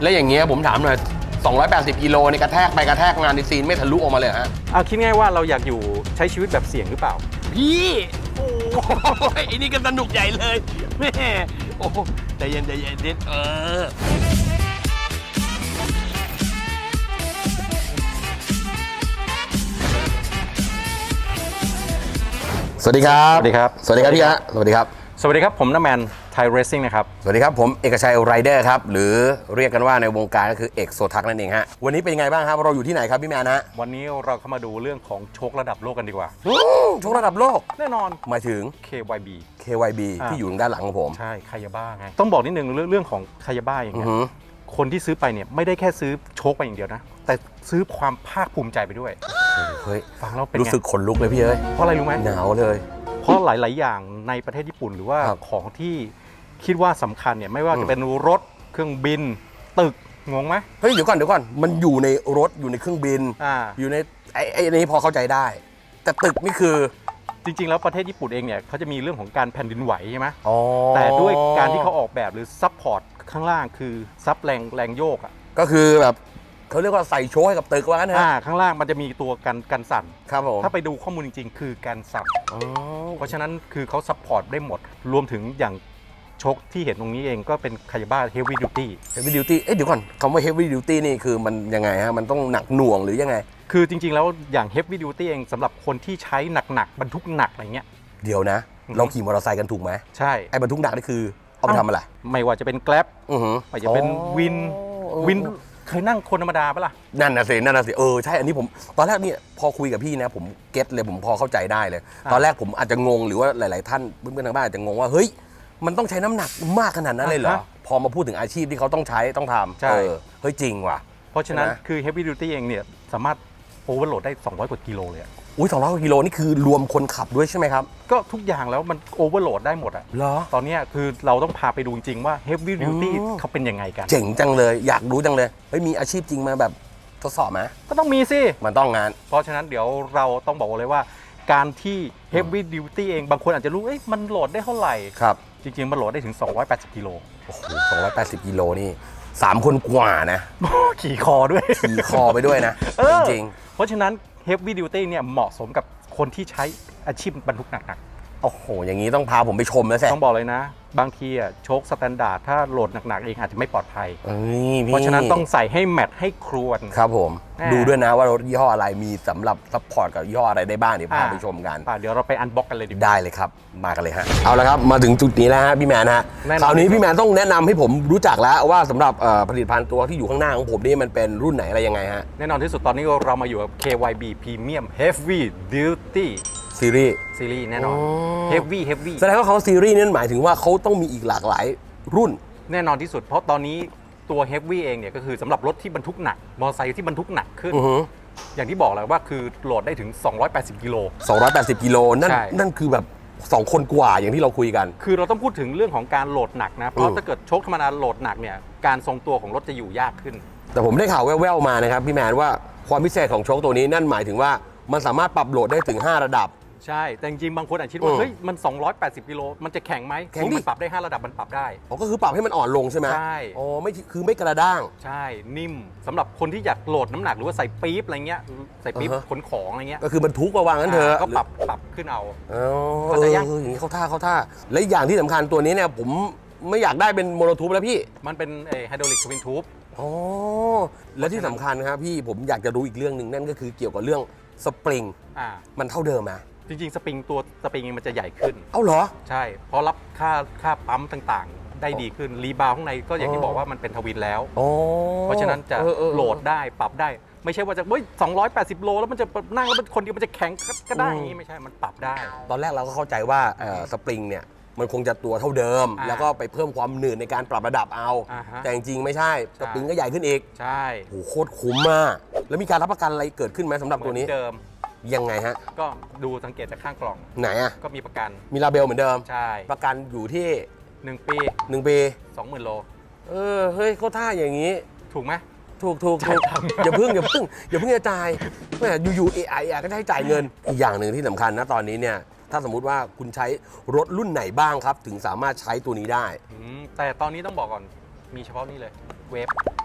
แล้วอย่างเงี้ยผมถามหน่อย280 กิโลในกระแทกไปกระแทกงานในซีนไม่ทะลุออกมาเลยฮะคิดง่ายว่าเราอยากอยู่ใช้ชีวิตแบบเสี่ยงหรือเปล่าพี่โอ้ยไอ้นี่ก็สนุกใหญ่เลยแม่โอ้ใจเย็นใจเย็นนิดสวัสดีครับสวัสดีครับสวัสดีครับพี่ฮะสวัสดีครับสวัสดีครับผมน้าแมนไทยเรซซิ่งนะครับสวัสดีครับผมเอกชัยไรเดอร์ครับหรือเรียกกันว่าในวงการก็คือเอกโซทักนั่นเองฮะวันนี้เป็นยังไงบ้างครับเราอยู่ที่ไหนครับพี่แมนฮะวันนี้เราเข้ามาดูเรื่องของโชคระดับโลกกันดีกว่าโชคระดับโลกแน่นอนหมายถึง KYB ที่อยู่ด้านหลังของผมใช่คายาบ้าไงต้องบอกนิดนึงเรื่องของคายาบ้าอย่างเงี้ยคนที่ซื้อไปเนี่ยไม่ได้แค่ซื้อโชคไปอย่างเดียวนะแต่ซื้อความภาคภูมิใจไปด้วยเฮ้ยฟังแล้วเป็นรู้สึกขนลุกเลยพี่เอ้ยเพราะอะไรรู้ไหมหนาวเลยเพราะหลายๆอย่างในประเทศญี่ปุ่นหรือว่าของที่คิดว่าสำคัญเนี่ยไม่ว่าจะเป็นรถเครื่องบินตึกงงไหมเฮ้ยเดี๋ยวก่อนมันอยู่ในรถอยู่ในเครื่องบินอยู่ในไอ้นี้พอเข้าใจได้แต่ตึกนี่คือจริงๆแล้วประเทศญี่ปุ่นเองเนี่ยเขาจะมีเรื่องของการแผ่นดินไหวใช่ไหมแต่ด้วยการที่เขาออกแบบหรือซัพพอร์ตข้างล่างคือซับแรงโยกอ่ะก็คือแบบเขาเรียกว่าใส่โชว์ให้กับตึกว่างั้นนะข้างล่างมันจะมีตัวกันสั่นครับผมถ้าไปดูข้อมูลจริงๆคือการสั่นเพราะฉะนั้นคือเขาซัพพอร์ตได้หมดรวมถึงอย่างโชคที่เห็นตรงนี้เองก็เป็นคายาบ้าเฮฟวี่ดิวตี้เดี๋ยวก่อนคำว่าเฮฟวี่ดิวตี้นี่คือมันยังไงฮะมันต้องหนักหน่วงหรือยังไงคือจริงๆแล้วอย่างเฮฟวี่ดิวตี้เองสำหรับคนที่ใช้หนักบรรทุกหนักอะไรเงี้ยเดี๋ยวนะเราขี่มอเตอร์ไซค์กันถูกไหมใช่ไอ้บรรทุกหนักนี่คือเอาไปทำอะไรไม่ว่าจะเป็นแกร็บไม่ว่าจะเป็นวินเคยนั่งคนธรรมดาปะล่ะนั่นน่ะสิใช่อันนี้ผมตอนแรกนี่พอคุยกับพี่นะผมเก็ตเลยผมพอเข้าใจได้เลยตอนแรกผมอาจจะงงหรือว่าหลายๆท่านเพื่อนๆทางบ้านอาจจะงงว่าเฮ้ยมันต้องใช้น้ำหนักมากขนาดนั้นเลยเหรอพอมาพูดถึงอาชีพที่เขาต้องใช้ต้องทำเฮ้ยจริงว่ะเพราะฉะนั้นคือ Heavy Duty เองเนี่ยสามารถโอเวอร์โหลดได้200 กว่ากิโลเลยอุ้ย200 กว่ากิโลนี่คือรวมคนขับด้วยใช่ไหมครับก็ทุกอย่างแล้วมันโอเวอร์โหลดได้หมดอะเหรอตอนนี้คือเราต้องพาไปดูจริงว่า Heavy Duty เขาเป็นยังไงกันเจ๋งจังเลยอยากรู้จังเลยเฮ้ยมีอาชีพจริงมาแบบทดสอบไหมก็ต้องมีสิมันต้องงานเพราะฉะนั้นเดี๋ยวเราต้องบอกเลยว่าการที่ Heavy Duty เองบางคนอาจจะรู้มันโหลดได้เท่าไหร่ครับจริงๆมันโหลดได้ถึง280 กิโลโอ้โห280 กิโลนี่3 คนกว่านะขี่คอด้วยขี่คอไปด้วยนะจริงเพราะฉะนั้น Heavy Duty เนี่ยเหมาะสมกับคนที่ใช้อาชีพบรรทุกหนักโอ้โหอย่างนี้ต้องพาผมไปชมแล้วสิต้องบอกเลยนะบางทีโชคสแตนดาร์ดถ้าโหลดหนักๆเองอาจจะไม่ปลอดภัยเพราะฉะนั้นต้องใส่ให้แมทให้ครวนครับผมดูด้วยนะว่ารถยี่ห้ออะไรมีสำหรับซัพพอร์ตกับยี่ห้ออะไรได้บ้างเดี๋ยวพาไปชมกันเดี๋ยวเราไปอันบ็อกกันเลยดีได้เลยครับมากันเลยฮะเอาละครับมาถึงจุดนี้แล้วฮะพี่แมนฮะคราวนี้พี่แมนต้องแนะนำให้ผมรู้จักแล้วว่าสำหรับผลิตภัณฑ์ตัวที่อยู่ข้างหน้าของผมนี่มันเป็นรุ่นไหนอะไรยังไงฮะแน่นอนที่สุดตอนนี้เรามาอยู่กับ KYB Premium Heavy Duty ซีรีส์แน่นอน Heavy แสดงว่าเขาซีรีส์นั้นหมายถึงว่าเขาต้องมีอีกหลากหลายรุ่นแน่นอนที่สุดเพราะตอนนี้ตัว Heavy เองเนี่ยก็คือสำหรับรถที่บรรทุกหนักมอเตอร์ไซค์ที่บรรทุกหนักขึ้นอย่างที่บอกแล้วว่าคือโหลดได้ถึง280 กิโล 280 กิโลนั่นคือแบบ2 คนกว่าอย่างที่เราคุยกันคือเราต้องพูดถึงเรื่องของการโหลดหนักนะเพราะถ้าเกิดโชคธรรมดาโหลดหนักเนี่ยการทรงตัวของรถจะอยู่ยากขึ้นแต่ผมได้ข่าวแว่วๆมานะครับพี่แมนว่าความพิเศษของโชคตัวนี้นั่นหมายถึงว่ามันสามารถปรับโหลดได้ถึง5 ระดับใช่แต่จริงๆบางคนอาจคิดว่าเฮ้ยมัน280 กิโลมันจะแข็งไหมแข็งมันปรับได้5 ระดับมันปรับได้ก็คือปรับให้มันอ่อนลงใช่ไหมใช่ไม่คือไม่กระด้างใช่นิ่มสำหรับคนที่อยากโหลดน้ำหนักหรือว่าใส่ปี๊บอะไรเงี้ยใส่ปี๊บขนของอะไรเงี้ยก็คือบรรทุกมาวางนั้นเถอะก็ปรับขึ้นเอาอย่างนี้เข้าท่าและอย่างที่สำคัญตัวนี้เนี่ยผมไม่อยากได้เป็นโมโนทูบแล้วพี่มันเป็นไฮดรอลิกทวินทูบและที่สำคัญครับพี่ผมอยากจะรู้อีกเรื่องหนึ่งนั่นก็คือเกี่ยวกับเรื่องสปริงมันเท่าเดิมไหมจริงๆสปริงมันจะใหญ่ขึ้นเหรอใช่เพราะรับค่าปั๊มต่างๆได้ดีขึ้นรีบาวข้างในก็อย่างที่บอกว่ามันเป็นทวินแล้วเพราะฉะนั้นจะโหลดได้ปรับได้ไม่ใช่ว่าจะ280 โลแล้วมันจะนั่งแล้วคนเดียวมันจะแข็งก็ได้อย่างนี้ไม่ใช่มันปรับได้ตอนแรกเราก็เข้าใจว่าสปริงเนี่ยมันคงจะตัวเท่าเดิมแล้วก็ไปเพิ่มความหนืดในการปรับระดับเอาแต่จริงๆไม่ใช่สปริงก็ใหญ่ขึ้นอีกใช่โหโคตรคุ้มมากแล้วมีการรับประกันอะไรเกิดขึ้นไหมสำหรับตัวนี้เดิมยังไงฮะก็ดูสังเกตจากข้างกล่องไหนก็มีประกันมีลาเบลเหมือนเดิมใช่ประกันอยู่ที่ 1 ปี 20,000 โลเฮ้ยเขาท่าอย่างนี้ถูกไหมถูกอย่าเพิ่งจะจ่ายแม่อยู่ๆAIก็ได้จ่ายเงินอีกอย่างหนึ่งที่สำคัญนะตอนนี้เนี่ยถ้าสมมุติว่าคุณใช้รถรุ่นไหนบ้างครับถึงสามารถใช้ตัวนี้ได้แต่ตอนนี้ต้องบอกก่อนมีเฉพาะนี่เลยเวฟ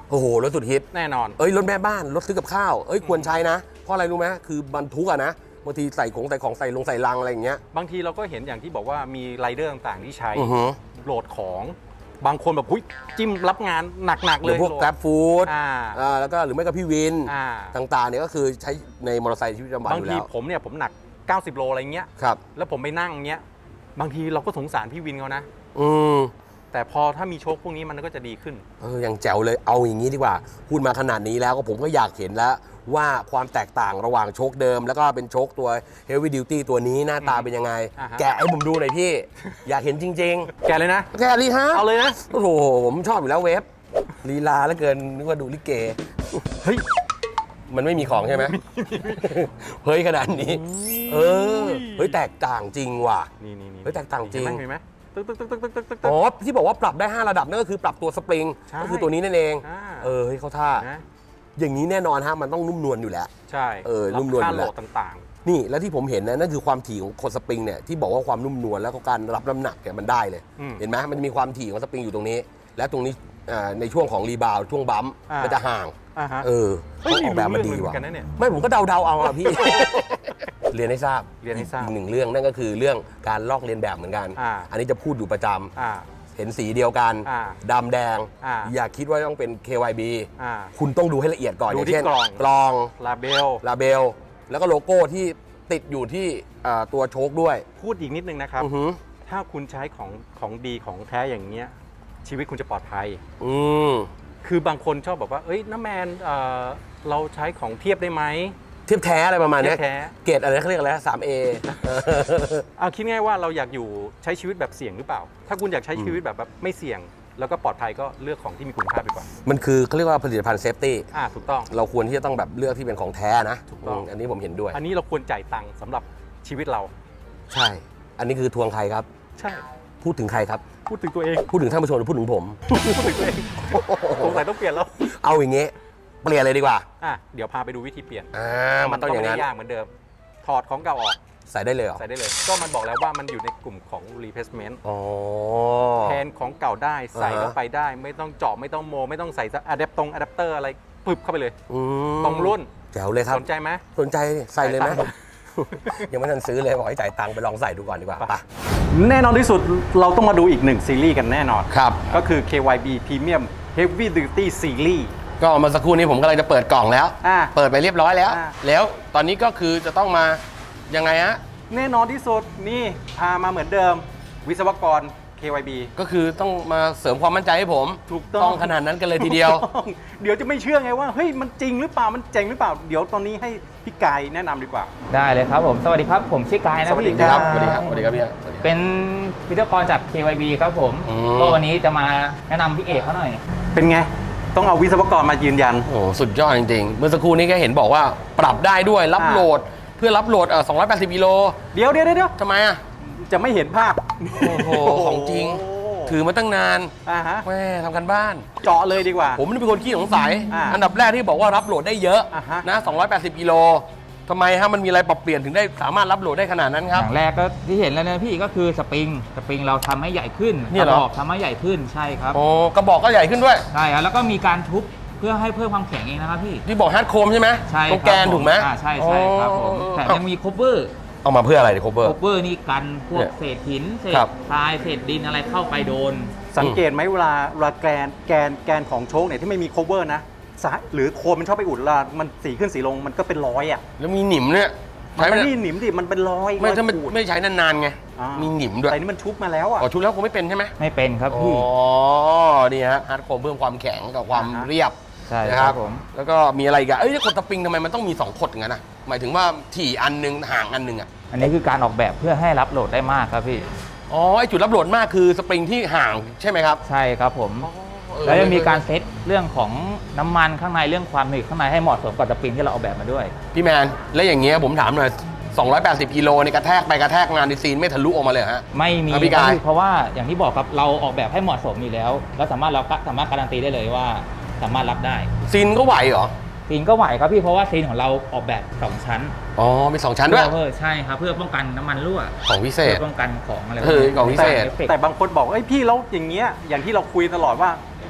โอ้โหรถสุดฮิตแน่นอนรถแม่บ้านรถซื้อกับข้าวควรใช้นะเพราะอะไรรู้ไหมคือบรรทุกอะนะบางทีใส่ของใส่ลังอะไรอย่างเงี้ยบางทีเราก็เห็นอย่างที่บอกว่ามีไรเดอร์ต่างๆที่ใช้อือฮึโหลดของบางคนแบบหุ้ยจิ้มรับงานหนักๆหเลรือย พวก Grab Food แล้วก็หรือไม่ก็พี่วิน ต่างๆเนี่ยก็คือใช้ในมอเตอร์ไซค์ชีวิตประจำวันบางอยู่ทีแล้วผมหนัก 90 โลอะไรเงี้ยครับแล้วผมไปนั่งเงี้ยบางทีเราก็สงสารพี่วินเขานะอืมแต่พอถ้ามีโชคพวกนี้มันก็จะดีขึ้นยังแจ๋วเลยเอาอย่างนี้ดีกว่าพูดมาขนาดนี้แล้วก็ผมก็อยากเห็นแล้วว่าความแตกต่างระหว่างโชคเดิม แล้วก็เป็นโชคตัว Heavy Duty ตัวนี้หน้าตาเป็นยังไง แกะให้ผมดูหน่อยพี่ อยากเห็นจริงแกเลยนะๆ แกะลีฮะเอาเลยนะโอ้โหผมชอบอยู่แล้วเวฟลีลาแล้วเกินนึกว่าดูลิเกเฮ้ยมันไม่มีของใช่ไหม เฮ้ยขนาดนี้ เฮ้ยแตกต่างจริงว่ะนี่เฮ้ยแตกต่างจริงเห็นไหมตึ๊กอ๋อที่บอกว่าปรับได้ 5 ระดับนั่นก็คือปรับตัวสปริงใช่ก็คือตัวนี้นั่นเองอ่าเฮ้ยเขาท่านะอย่างนี้แน่นอนฮะมันต้องนุ่มนวลอยู่แล้วใช่นุ่มนวลค่าอยู่โหลแล้วดต่างนี่แล้วที่ผมเห็นนะนั่นคือความถี่ของโคนสปริงเนี่ยที่บอกว่าความนุ่มนวลแล้วก็การรับน้ำหนักเนี่ยมันได้เลย เห็นไหมมันมีความถี่ของสปริงอยู่ตรงนี้ และตรงนี้ในช่วงของรีบาวช่วงบัมป์มันจะห่างฮะเขาออกแบบมาดีว่ะกันนะเนี่ยไม่ผมก็เดาเอาอ่ะพี่ เรียนให้ทราบเรียนให้ทราบอีกหนึ่งเรื่องนั่นก็คือเรื่องการลอกเลียนแบบเหมือนกัน อันนี้จะพูดอยู่ประจำเห็นสีเดียวกันดำแดง อย่าคิดว่าต้องเป็น KYB คุณต้องดูให้ละเอียดก่อนดูอย่างที่เช่นกล่อง ลาเบลลาเบลแล้วก็โลโก้ที่ติดอยู่ที่ตัวโชคด้วยพูดอีกนิดนึงนะครับอือหือถ้าคุณใช้ของดีของแท้อย่างเงี้ยชีวิตคุณจะปลอดภัยมคือบางคนชอบบอกว่าเอ้ยน้าแมนเราใช้ของเทียบได้ไหมเทียบแท้อะไรประมาณเนี้ยเทียบแท้เกรดอะไรเขาเรียกอะไร 3A เอาคิดง่ายว่าเราอยากอยู่ใช้ชีวิตแบบเสี่ยงหรือเปล่า ถ้าคุณอยากใช้ชีวิตแบบไม่เสี่ยง แล้วก็ปลอดภัยก็เลือกของที่มีคุณภาพดีกว่ามันคือเขาเรียกว่าผลิตภัณฑ์เซฟตี้ถูกต้องเราควรที่จะต้องแบบเลือกที่เป็นของแท้นะถูกต้องอันนี้ผมเห็นด้วยอันนี้เราควรจ่ายตังค์สำหรับชีวิตเราใช่ อันนี้คือทวงใครครับใช่พูดถึงใครครับพูดถึงตัวเองพูดถึงท่านผู้ชมหรือพูดถึงผมพูดถึงตัวเองสงสัยต้องเปลี่ยนแล้วเอาอย่างเงี้ยเปลี่ยนเลยดีกว่าเดี๋ยวพาไปดูวิธีเปลี่ยนมันต้องอย่างนั้นไม่ได้ยากเหมือนเดิม ถอดของเก่าออกใส่ได้เลยเหรอใส่ได้เลย ก็มันบอกแล้วว่ามันอยู่ในกลุ่มของ replacement อ๋อแทนของเก่าได้ใส่เข้าไปได้ ไม่ต้องเจาะไม่ต้องโมไม่ต้องใส่อะแดปเตอร์อะไรปึ๊บเข้าไปเลย ตรงรุ่นแจ๋วเลยครับสนใจไหมสนใจใส่เลยไหมจ่ายตังค์ยังไม่ทันซื้อเลยบอกให้จ่ายตังค์ไปลองใส่ดูก่อนดีกว่าไปแน่นอนที่สุดเราต้องมาดูอีกหนึ่งซีรีส์กันแน่นอนครับก็คือ KYB Premium Heavy Duty Series ก็เมื่อสักครู่นี้ผมกำลังจะเปิดกล่องแล้ว เปิดไปเรียบร้อยแล้ว แล้วตอนนี้ก็คือจะต้องมายังไงฮะแน่นอนที่สุดนี่พามาเหมือนเดิม วิศวกร KYB ก็คือต้องมาเสริมความมั่นใจให้ผมถูกต้องขนาดนั้นกันเลยทีเดียวถูกต้องเดี๋ยวจะไม่เชื่อไงว่าเฮ้ยมันจริงหรือเปล่ามันเจ๋งหรือเปล่า เดี๋ยวตอนนี้ให้พี่กายแนะนำดีกว่าได้เลยครับผม สวัสดีครับ ผมชื่อกายนะสวัสดีพี่ครับสวัสดีครับ สวัสดีครับพี่เป็นวิทยากรจาก KYB ครับผม ก็วันนี้จะมาแนะนำพี่เอกเขาหน่อยเป็นไง ต้องเอาวิศวกรมายืนยันโอ้สุดยอดจริงๆ เมื่อสักครู่นี้ก็เห็นบอกว่าปรับได้ด้วยรับโหลดเพื่อรับโหลด280กิโลเดี๋ยวทำไมอ่ะจะไม่เห็นภาพโอ้โหของจริง ถือมาตั้งนานฮะแม่ทำกันบ้านเจาะเลยดีกว่าผมนี่เป็นคนขี้สงสัยอันดับแรกที่บอกว่ารับโหลดได้เยอะฮะนะ280กิโลทำไมฮะมันมีอะไรปรับเปลี่ยนถึงได้สามารถรับโหลดได้ขนาดนั้นคอรับย่างแรกก็ที่เห็นแล้วนะพี่ก็คือสปริงเราทำให้ใหญ่ขึ้นเนี่ยเหรอกระบอกทำให้ใหญ่ขึ้นใช่ครับโอ้กระบอกก็ใหญ่ขึ้นด้วยใช่ครับแล้วก็มีการทุบเพื่อให้เพิ่มความแข็งเองนะครับพี่ที่บอกฮาร์ดโคมใช่ไหมใช่ตรงแกนครับถูกไหมใช่ครับผมแต่ยังมีคบเวอร์เอามาเพื่ออะไรเนี่ยโคเวอร์คบเวอร์นี่กันพวเนี่กยเศษหินเศษครับทรายเศษดินอะไรเข้าไปโดนสังเกตไหมเวลาแกนของโชคเนี่ยที่ไม่มี cover นะหรือโคนมันชอบไปอุดเวลามันสีขึ้นสีลงมันก็เป็นรอยอ่ะแล้วมีหนิมเนี่ยมันใช้ไม่ไม่ได้หนิมดิมันเป็นรอยไม่ถ้าไม่รอยขูดไม่ใช้นานๆไง มีหนิมด้วยแต่นี่มันชุบมาแล้วอ่ะอ๋อชุดแล้วคงไม่เป็นใช่ไหมไม่เป็นครับอ๋อพี่นี่ฮะฮาร์ดโคมเพิ่มความแข็งกับความอ่าฮะเรียบใช่นะคครัรับบ ผมแล้วก็มีอะไรอีกันขดสปริงทำไมมันต้องมี2ขดอย่างนั้นนะหมายถึงว่าถี่อันนึงห่างอันนึงอ่ะอันนี้คือการออกแบบเพื่อให้รับโหลดได้มากครับพี่อ๋อไอจุดรับโหลดมากคือสปริงที่ห่างใช่ไหมครับใช่ครับผม แล้วยังมีการเซตเรื่องของน้ำมันข้างในเรื่องความหนืดข้างในให้เหมาะสมกับสปริงที่เราออกแบบมาด้วยพี่แมนแล้วอย่างเงี้ยผมถามหน่อย280กิโลในกระแทกไปกระแทกงานในซีนไม่ทะลุออกมาเลยเหรอฮะไม่มีครับพี่กายเพราะว่าอย่างที่บอกครับเราออกแบบให้เหมาะสมอยู่แล้วแล้วสามารถการันตีได้เลยว่าสามารถรับได้ซีนก็ไหวเหรอซีนก็ไหวครับพี่เพราะว่าซีนของเราออกแบบ2ชั้นอ๋อมี2ชั้นด้วยเพื่อใช่ครับเพื่อป้องกันน้ำมันรั่วของพิเศษเพื่อป้องกันของอะไรของพิเศษแต่แต่บางคนบอกเอ้ยพี่แล้วอย่างเงี้ยอย่างที่เราคุยตลอดว่า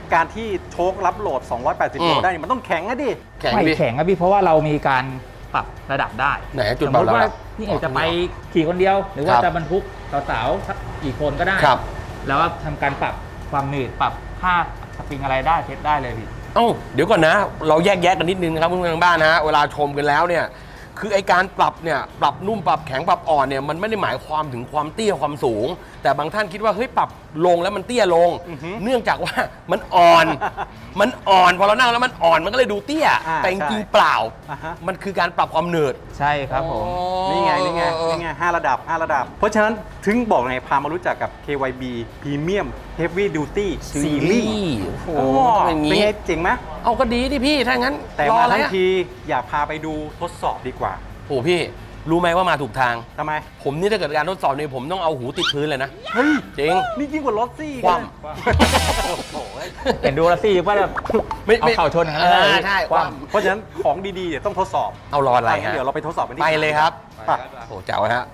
การที่โชครับโหลด 280 โลได้เนี่ยมันต้องแข็งนะดิแข็งไม่ดิแข็งครับพี่เพราะว่าเรามีการปรับระดับได้ไหนจุดสมเบามติว่าแล้วพี่เอกจะไปขี่คนเดียว หรือว่าครับจะบรรทุกสาวๆสักกี่คนก็ได้ครับแล้วก็ทำการปรับความหนืดปรับค่าสปริงอะไรได้เทสได้เลยพี่เอ้าเดี๋ยวก่อนนะ เราแยกแยะกันนิดนึงนะครับเพื่อนๆทางบ้านนะฮะเวลาชมกันแล้วเนี่ยคือไอการปรับเนี่ยปรับนุ่มปรับแข็งปรับอ่อนเนี่ยมันไม่ได้หมายความถึงความเตี้ยความสูง แต่บางท่านคิดว่าเฮ้ยปรับลงแล้วมันเตี้ยลงอือฮึเนื่องจากว่ามันอ่อน มันอ่อนพอเรานั่งแล้วมันอ่อนมันก็เลยดูเตี้ย แต่จริงๆเปล่าอ่าฮะมันคือการปรับความหนืดใช่ครับผมนี่ไง5 ระดับ 5 ระดับ เพราะฉะนั้นถึงบอกไงพามารู้จักกับ KYB Premium Heavy Duty Series โอ้โอ้โหอย่างเป็นนี้ไงเจ๋งไหมเอาก็ดีดิพี่ถ้างั้นแต่รอมาอะไรทั้งอะทีอยากพาไปดูทดสอบดีกว่าโอ้พี่รู้ไหมว่ามาถูกทางทำไมผมนี่ถ้าเกิดการทดสอบนี่ผมต้องเอาหูติดพื้นเลยนะเฮ้ยจริงนี่ยิ่งกว่ารถซี่คว่ำเลยโอ้โหเห็นดูแล้วสิว่าแบบไม่เอาเข่าชนกันแล้วใช่ความเพราะฉะนั้นของดีๆเดี๋ยวต้องทดสอบเอารออะไรงั้นฮะเดี๋ยวเราไปทดสอบกันที่ไปเลยครับไปโอ้เจ๋วฮะ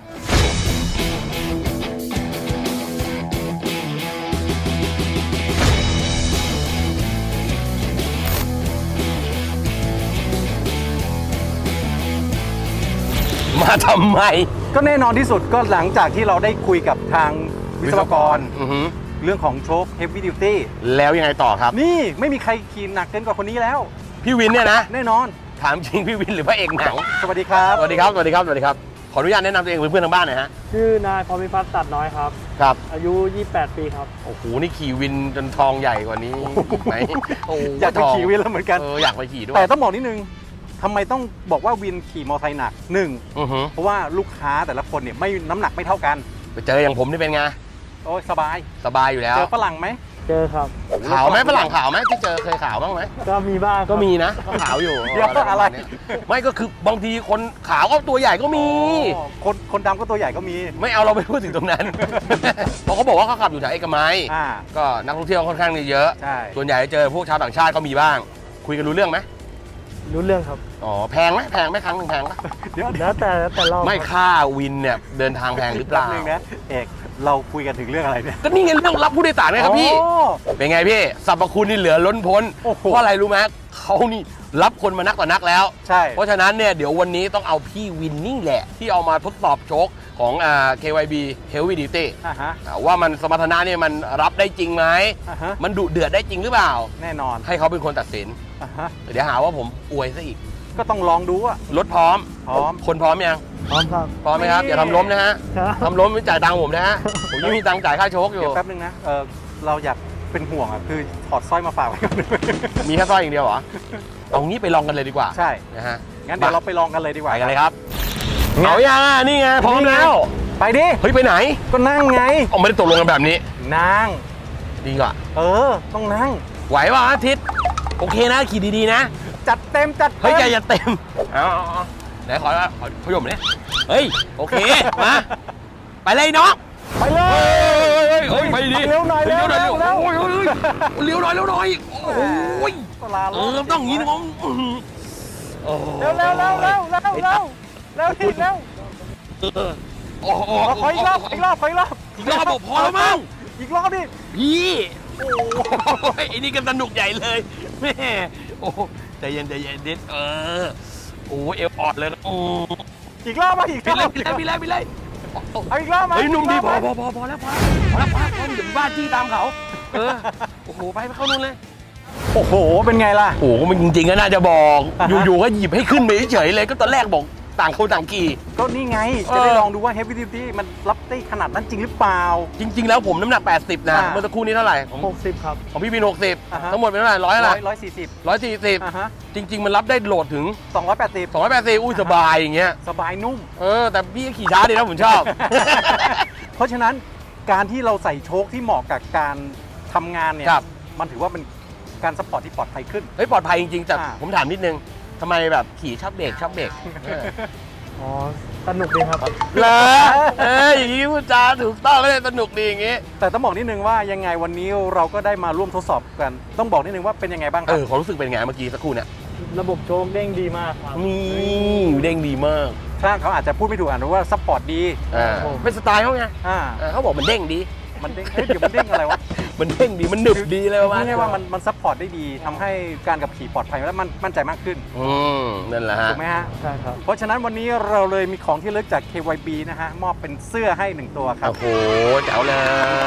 มาทำไมก็แน่นอนที่สุดก็หลังจากที่เราได้คุยกับทางวิศวกรอือหือเรื่องของโชค Heavy Duty แล้วยังไงต่อครับนี่ไม่มีใครขี่หนักเกินกว่าคนนี้แล้วพี่วินเนี่ยนะแน่นอนถามจริงพี่วินหรือพระเอกหนังสวัสดีครับสวัสดีครับ สวัสดีครับ สวัสดีครับ ขออนุญาตแนะนำตัวเองเพื่อนๆทางบ้านหน่อยฮะชื่อนายพรหมิพัฒน์ตัดน้อยครับครับอายุ 28 ปีครับโอ้โห นี่ขี่วินจนทองใหญ่กว่านี้อีกไหมโอ้โหอยากไปขี่วินแล้วเหมือนกันอยากไปขี่ด้วยแต่ต้องบอกนิดนึงทำไมต้องบอกว่าวินขี่มอเตอร์ไซค์หนักหนึ่งอือหือเพราะว่าลูกค้าแต่ละคนเนี่ยไม่น้ำหนักไม่เท่ากันไปเจออย่างผมนี่เป็นไงโอ้ยสบายสบายอยู่แล้วเจอฝรั่งไหมเจอครับขาวไหมฝรั่งขาวไหมที่เจอเคยขาวบ้างไหมก็มีบ้างครับก็มีนะก็ขาวอยู่เดี๋ยวอะไรไม่ก็คือบางทีคนขาวก็ตัวใหญ่ก็มีอ๋อคนดำก็ตัวใหญ่ก็มีไม่เอาเราไปพูดถึงตรงนั้น เพราะเขาบอกว่าเขาขับอยู่แถวเอกมัยอ่าก็นักท่องเที่ยวค่อนข้างเยอะใช่ส่วนใหญ่เจอพวกชาวต่างชาติก็มีบ้าง คุยกันรู้เรื่องไหมรู้เรื่องครับอ๋อแพงไหมแพงไหมครั้งหนึ่งแพงปะเดี๋ยวแล้วแต่รอบไม่ครับค่าวินเนี่ยเดินทางแพงหรือเปแป๊บล่านึงนะเอกเราคุยกันถึงเรื่องอะไรเนี่ยก็นี่ไงเรื่องรับผู้โดยสารไงครับพี่อ๋อเป็นไงพี่สรรพคุณนี่เหลือล้นพ้นโอ้โหเพราะอะไรรู้ไหมเขานี่รับคนมานักต่อนักแล้วใช่เพราะฉะนั้นเนี่ยเดี๋ยววันนี้ต้องเอาพี่วินนี่แหละ ที่เอามาทดสอบโชคของKYB Heavy Duty อ่าฮะว่ามันสมรรถนะเนี่ยมันรับได้จริงไหมอ่าฮะมันดุเดือดได้จริงหรือเปล่าแน่นอนให้เขาเป็นคนตัดสินอ่าฮะเดี๋ยวหาว่าผมอวยซะอีกก็ต้องลองดูอะรถพร้อมพร้อมคนพร้อมยังพร้อมครับพร้อมไหมครับนี่อย่าทำล้มนะฮะครับทำล้มไม่จ่ายตังค์ผมนะฮะผมยังมีตังค์จ่ายค่าโชคอยู่เดี๋ยวแป๊บนึงนะเราอยากเป็นห่วงอ่ะคือถอดสร้อยมาฝากไว้ก่อนมีแค่สร้อยอย่างเดียวเหรอเอางี้ไปลองกันเลยดีกว่าใช่นะฮะงั้นเดี๋ยวเราไปลองกันเลยดีกไปว่ากันเลยครับเอายังอ่ะนี่ไงพร้อมแล้วไปดิเฮ้ยไปไหนก็นั่งไงเอาไม่ได้ตกลงกันแบบนี้นั่งดีกว่าต้องนั่งไหวป่ะอาทิตย์โอเคนะขี่ดีๆนะจัดเต็มจัดเฮ้ยเต็มอย่าเต็มเอาไหนขอขยมเนี่ยเฮ้ยโอเคมาไปเลยน้องไปเลยเฮ้ยไปดิเร็วหน่อยเร็วหน่อยเร็วเร็วโอ้ยเร็วหน่อยเร็วหน่อยโอ้ยลาต้องอย่างนี้นะน้องโอ้เร็วเร็วเร็วเร็วเร็วเร็วเร็วทีเร็วโอ้โหขออีกรอบอีกรอบอีกรอบบอกพอแล้วมั้งอีกรอบดิพี่โอ้ยไอ้นี่ก็สนุกใหญ่เลยแม่โอ้ใจเย็นเด็ดโอ้เอวออดเลยนะโอ้อีกรอบมาอีกรพี่อบเลยเอาอีกรอบมาเฮ้ยหนุ่มดีพออีกรบพอแล้วพอเดี๋ยวบ้านจี้ตามเขาโอ้โหไปเข้านู่นเลยโอ้โหเป็นไงล่ะโอ้โหมันจริงๆก็น่าจะบอกอ่าฮะอยู่ๆก็หยิบให้ขึ้นไปเฉยๆเลยก็ตอนแรกบอกต่างคนต่างขี่ก็นี่ไง จะได้ลองดูว่า Heavy Duty มันรับได้ขนาดนั้นจริงหรือเปล่าจริง ๆ แล้วผมน้ำหนัก 80 นะอ่าเมื่อสักครู่นี้เท่าไหร่ของ 60 ครับของพี่บินอ่าฮะ 60 ทั้งหมดเป็นเท่าไหร่ร้อยอะไร 140 อ่า 140 ฮะจริง ๆ มันรับได้โหลดถึง 280 280อุ้ยสบายอย่างเงี้ยสบายนุ่มแต่พี่ขี่ช้าดีนะผมชอบเพราะฉะนั้นการที่เราใส่โชคที่เหมาะกับการทำงานเนี่ยครับมันถือว่าเป็นการสปอร์ตที่ปลอดภัยขึ้นเฮ้ยปลอดภัยจริงๆแต่อ่าผมถามนิดนึงทำไมแบบขี่ชอบเบรกเอออ๋อ สนุกดีครับเหรออย่างนี้พูดจาถูกต้องเลยสนุกดีอย่างงี้แต่ต้องบอกนิดนึงว่ายังไงวันนี้เราก็ได้มาร่วมทดสอบกัน ต้องบอกนิดนึงว่าเป็นยังไงบ้างครับความรู้สึกเป็นไงเมื่อกี้สักครู่เนี่ยระบบโชคเด้งดีมากครับนี่เด้งดีมากช่างเขาอาจจะพูดไม่ถูกอ่านว่าสปอร์ตดีเป็นสไตล์เขาไงอ่าเขาบอกมันเด้งดีมันเด้งเฮ้ยเดี๋ยวมันเด้งอะไรวะมันเด้งดีมันหนึบดีเลยว่าไม่ได้ว่ามันซัพพอร์ตได้ดีทำให้การขับขี่ปลอดภัยและมันมั่นใจมากขึ้นนั่นแหละฮะถูกไหมฮะใช่ครับเพราะฉะนั้นวันนี้เราเลยมีของที่ระลึกจาก KYB นะฮะมอบเป็นเสื้อให้1ตัวครับโอ้โหแจ๋วเลย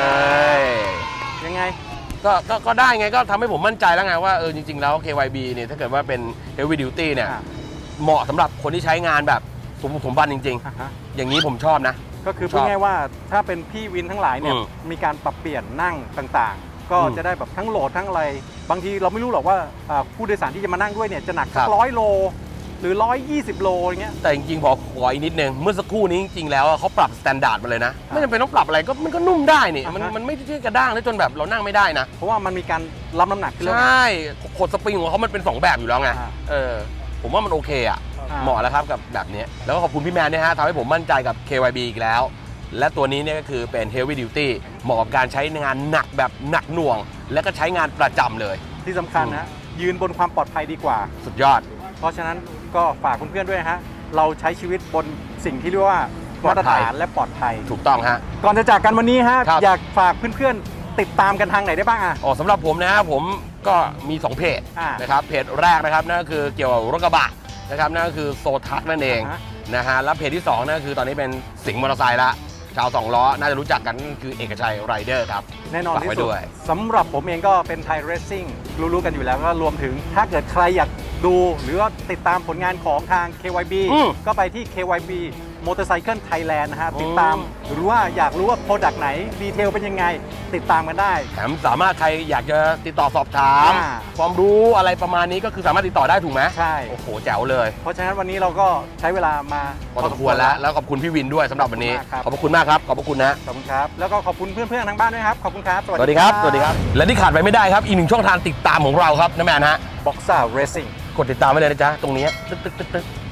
ยังไงก็ได้ไงก็ทำให้ผมมั่นใจแล้วไงว่าจริงๆแล้ว KYB เนี่ยถ้าเกิดว่าเป็น Heavy Duty เนี่ยอ่าเหมาะสำหรับคนที่ใช้งานแบบสมบันจริงอ่าฮะๆ อย่างนี้ผมชอบนะก็คือชพูอดบง่ายๆว่าถ้าเป็นพี่วินทั้งหลายเนี่ยอืมมีการปรับเปลี่ยนนั่งต่างๆ ก็อืมจะได้แบบทั้งโหลดทั้งอะไร บางทีเราไม่รู้หรอกว่าผู้โดยสารที่จะมานั่งด้วยเนี่ยจะหนักครัสักบ 100 โล หรือ 120 โลอย่างเงี้ยแต่จริงๆขออีกนิดนึงเมื่อสักครู่นี้จริงๆแล้วเขาปรับสแตนดาร์ดมาเลยนะ ไม่จำเป็นต้องปรับอะไรก็มันก็นุ่มได้นี่อ่าฮะมันไม่ใช่กระด้างแล้วจนแบบเรานั่งไม่ได้นะเพราะว่ามันมีการรับน้ำหนักขึ้นใชแล้ว่ขดสปริงของเขามันเป็น 2 แบบอยู่แล้วไงอ่าผมว่ามันโอเคอ่ะอ่าเหมาะแล้วครับกับแบบนี้ แล้วก็ขอบคุณพี่แมนนะฮะทำให้ผมมั่นใจกับ KYB อีกแล้ว และตัวนี้เนี่ยก็คือเป็น Heavy Duty เหมาะกับการใช้งานหนักแบบหนักหน่วง และก็ใช้งานประจำเลยที่สำคัญนะยืนบนความปลอดภัยดีกว่าสุดยอดเพราะฉะนั้นก็ฝากเพื่อนๆด้วยนะฮะเราใช้ชีวิตบนสิ่งที่เรียกว่าปลอมาดตรภัยฐานและปลอดภัยถูกต้องฮะก่อนจะจากกันวันนี้ฮะครับอยากฝากเพื่อนๆติดตามกันทางไหนได้บ้างอ่ะสำหรับผมนะฮะผมก็มี 2 เพจอ่านนะครับเพจแรกนะครับนั่นก็คือเกี่ยวกับรถกระบะนะครับนั่นก็คือโซทักนั่นเองอ่าฮะนะฮะแล้วเพจที่2นั่นก็คือตอนนี้เป็นสิงห์มอเตอร์ไซค์ละชาว2 ล้อน่าจะรู้จักกันนั่นคือเอกชัยไรเดอร์ครับแน่นอนฝากที่ไว้สุดด้วยสำหรับผมเองก็เป็นไทยเรซซิ่งรู้ๆกันอยู่แล้วก็รวมถึงถ้าเกิดใครอยากดูหรือว่าติดตามผลงานของทาง KYB ก็ไปที่ KYB Motorcycle Thailand นะฮะติดตามหรือว่าอยากรู้ว่าโปรดักต์ไหนดีเทลเป็นยังไง ติดตามกันได้แถมสามารถใครอยากจะติดต่อสอบถามอ่าความรู้อะไรประมาณนี้ก็คือสามารถติดต่อได้ถูกไหมใช่โอ้โหแจ๋วเลยเพราะฉะนั้นวันนี้เราก็ใช้เวลามาพอสมควรแล้วขอบคุณพี่วินด้วยสำหรับวันนี้ขอบคุณมากครับขอบพระคุณมากครับขอบพระคุณนะขอบคุณครับ แล้วก็ขอบคุณเพื่อนๆทางบ้านด้วยครับ ขอบคุณครับสวัสดีครับและที่ขาดไปไม่ได้ครับอีกหนึ่งช่องทางติดตามของเราครับนะแมนฮะบ็อกซ่าเรซิ่งกดติดตามไว้เลยนะจ๊ะตรงนี้ตึ๊ก